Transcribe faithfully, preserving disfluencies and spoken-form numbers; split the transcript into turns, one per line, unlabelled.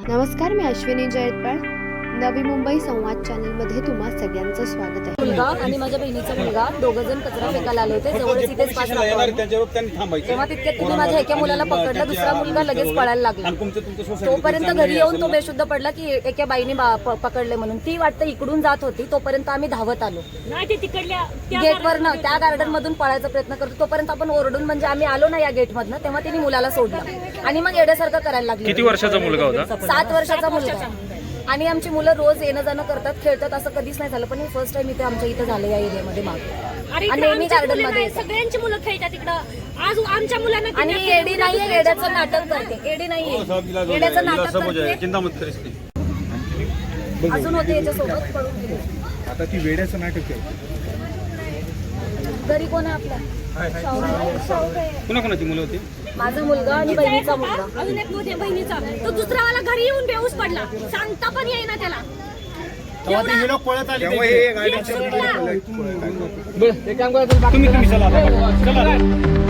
नमस्कार, मी अश्विनी जयतपाळ. नवी मुंबई संवाद चॅनल मध्ये तुम्हा सगळ्यांचं स्वागत आहे.
मुलगा आणि माझ्या बहिणीचा मुलगा दोघ जण कचरा फेकायला आले होते. जवळच इथेच पाच तेव्हा तितक्यात तिने माझ्या एका मुलाला पकडलं, दुसरा मुलगा लगेच पळायला लागला. तोपर्यंत घरी येऊन तो बेशुद्ध पडला की एका बाईने पकडले म्हणून. ती वाटतं इकडून जात होती, तोपर्यंत आम्ही धावत आलो. गेटवर न त्या गार्डन मधून पळायचा प्रयत्न करतो, तोपर्यंत आपण ओरडून म्हणजे आम्ही आलो ना या गेट मधनं, तेव्हा तिने मुलाला सोडलं आणि मग येण्यासारखं करायला लागलं.
किती वर्षाचा मुलगा होता?
सात वर्षाचा मुलगा. आणि आमची मुलं रोज येणं जाणं करतात, खेळतात, असं कधीच नाही झालं. पण हे फर्स्ट टाइम इथे आमच्या इथे झालं या एरियामध्ये मागे. आणि नेहमी गार्डन मध्ये
सगळ्यांची मुलं खेळतात तिकडं. आज आमच्या मुलांना
आणि एडी नाहीये, एड्याचं नाटक करते. एडी नाहीये, एड्याचं नाटक करते. अजून होते याच्यासोबत पळून गेले.
आता ती वेड्याचं नाटक आहे.
घरी कोण आहे आपल्या?
कुणा कोणाची मुलं होती?
माझा मुलगा आणि बहिणीचा मुलगा.
अजून एक मोठ्या बहिणीचा. तो दुसरावाला घरी येऊन बेहोश पडला, सांगता पण येईना त्याला.
तुम्ही तुम्ही चला चला